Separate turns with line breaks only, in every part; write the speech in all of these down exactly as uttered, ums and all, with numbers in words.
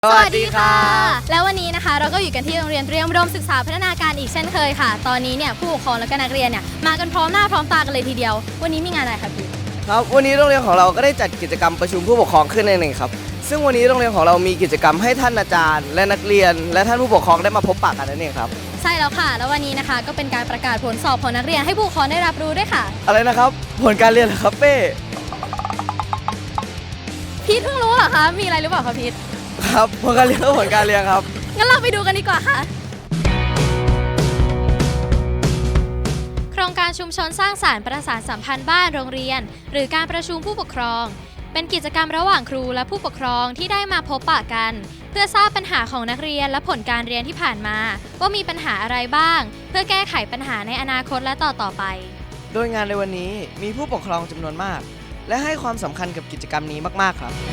สวัสดีค่ะแล้ววันนี้นะคะเราก็อยู่กันที่โรงเรียนเตรียมอุดมศึกษาพัฒนาการอีกเช่นเคยค่ะตอนนี้เนี่ยผู้ปกครองและก็นักเรียนเนี่ยมากันพร้อมหน้าพร้อมตากันเลยทีเดียววันนี้มีงานอะไรคะพี่
ครับวันนี้โรงเรียนของเราก็ได้จัดกิจกรรมประชุมผู้ปกครองขึ้นในหนึ่งครับซึ่งวันนี้โรงเรียนของเรามีกิจกรรมให้ท่านอาจารย์และนักเรียนและท่านผู้ปกครองได้มาพบปะกันนั่นเองครับ
ใช่แล้วค่ะแล้ววันนี้นะคะก็เป็นการประกาศผลสอบของนักเรียนให้ผู้ปกครองได้รับรู้ด้วยค่ะ
อะไรนะครับผลการเรียนเหรอครับเป้
พีทเพิ่งรู้เหรอคะมีอะไรหรือเปล่าคะพีท
ครับผลการเรียนก็ผลการเรียนครับ
งั้นเราไปดูกันดีกว่าค่ะโครงการชุมชนสร้างสรรค์ประสานสัมพันธ์บ้านโรงเรียนหรือการประชุมผู้ปกครองเป็นกิจกรรมระหว่างครูและผู้ปกครองที่ได้มาพบปะกันเพื่อทราบปัญหาของนักเรียนและผลการเรียนที่ผ่านมาว่ามีปัญหาอะไรบ้างเพื่อแก้ไขปัญหาในอนาคตและต่อต่อไป
โดยงานในวันนี้มีผู้ปกครองจำนวนมากและให้ความสำคัญกับกิจกรรมนี้มากๆครับ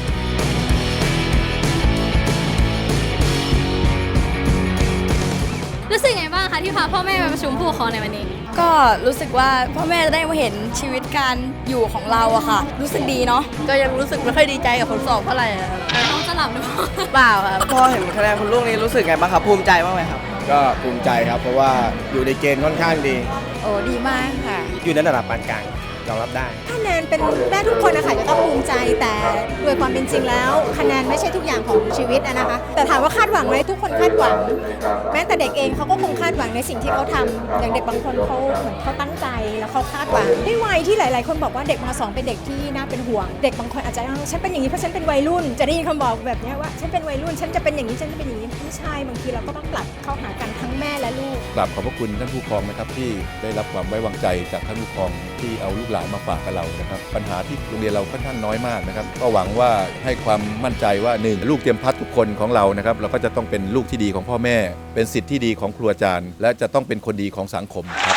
รู้สึกไงบ้างคะที่พาพ่อแม่มาประชุมผู้ปกครองในวันนี้
ก็รู้สึกว่าพ่อแม่จะได้มาเห็นชีวิตการอยู่ของเราอะค่ะรู้สึกดีเนาะ
ก็ยังรู้สึกไม่ค่อยดีใจกับผลสอบเท่าไหร่ครับ
น้องจะหลับหรือเปล่า
เปล่าครับ
พอเห็นคะแนนคุณลูกนี้รู้สึกไงบ้างครับภูมิใจบ้างไหมครับ
ก็ภูมิใจครับเพราะว่าอยู่ในเกณฑ์ค่อนข้างดี
โอ้ดีมากค่ะ
อยู่ในระดับปานกลางยอมรับได้
คะแนนเป็นได้ทุกคนนะคะจะต้องภูมิใจแต่โดยความเป็นจริงแล้วคะแนนไม่ใช่ทุกอย่างของชีวิตนะคะแต่ถามว่าคาดหวังไหมทุกคนคาดหวังแม้แต่เด็กเองเขาก็คงคาดหวังในสิ่งที่เขาทำอย่างเด็กบางคนเขาเหมือนเขาตั้งใจแล้วเขาคาดหวังด้วยวัยที่หลายๆคนบอกว่าเด็กม.สองเป็นเด็กที่น่าเป็นห่วงเด็กบางคนอาจจะฉันเป็นอย่างนี้เพราะฉันเป็นวัยรุ่นจะได้ยินคำบอกแบบนี้ว่าฉันเป็นวัยรุ่นฉันจะเป็นอย่างนี้ฉันจะเป็นอย่างนี้ไม่ใช่บางทีเราก็ต้องปรับเข้าหากันทั้งแม่และลูก
กราบขอบพระคุณท่านผู้ปกครองนะครับที่ได้รับความไว้วางใจจากท่านผู้ปกครองที่เอาลูกหลานมาฝากกับเรานะครับปัญหาที่โรงเรียนเราค่อนข้างน้อยมากนะครับก็หวังว่าให้ความมั่นใจว่าหนึ่งลูกเตรียมพัฒทุกคนของเรานะครับเราก็จะต้องเป็นลูกที่ดีของพ่อแม่เป็นศิษย์ที่ดีของครูอาจารย์และจะต้องเป็นคนดีของสังคมครับ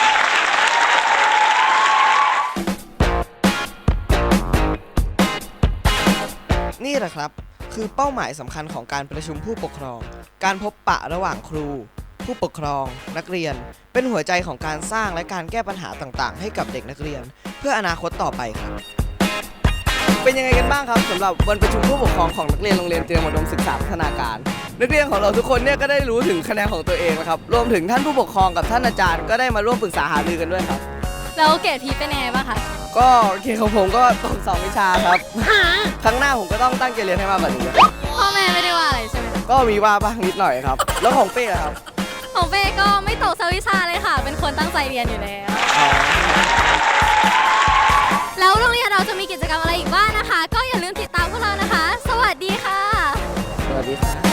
นี่แหละครับคือเป้าหมายสำคัญของการประชุมผู้ปกครองการพบปะระหว่างครูผู้ปกครองนักเรียนเป็นหัวใจของการสร้างและการแก้ปัญหาต่างๆให้กับเด็กนักเรียนเพื่ออนาคตต่อไปครับเป็นยังไงกันบ้างครับสำหรับวันประชุมผู้ปกครองของนักเรียนโรงเรียนเตรียมอุดมศึกษาพัฒนาการนักเรียนของเราทุกคนเนี่ยก็ได้รู้ถึงคะแนนของตัวเองนะครับรวมถึงท่านผู้ปกครองกับท่านอาจารย์ก็ได้มาร่วมปรึกษาหารือกันด้วยครับ
แล้วเกรดพีเป็นยังไงบ้างคะ
ก็เกรดของผมก็ตกสองวิชาครับครั้งหน้าผมก็ต้องตั้งใจเรียนให้มากกว่านี้
พ่อแม่ไม่ได้ว่าอะไรใช่ไหม
ก็มีว่าบ้างนิดหน่อยครับแล้วของเป้ครับ
ของเป้ก็ไม่ตกสักวิชาเลยค่ะเป็นคนตั้งใจเรียนอยู่แล้วแล้วโรงเรียนเราจะมีกิจกรรมอะไรอีกบ้างนะคะก็อย่าลืมติดตามพวกเรานะคะสวัสดีค่ะ
สวัสดีค่ะ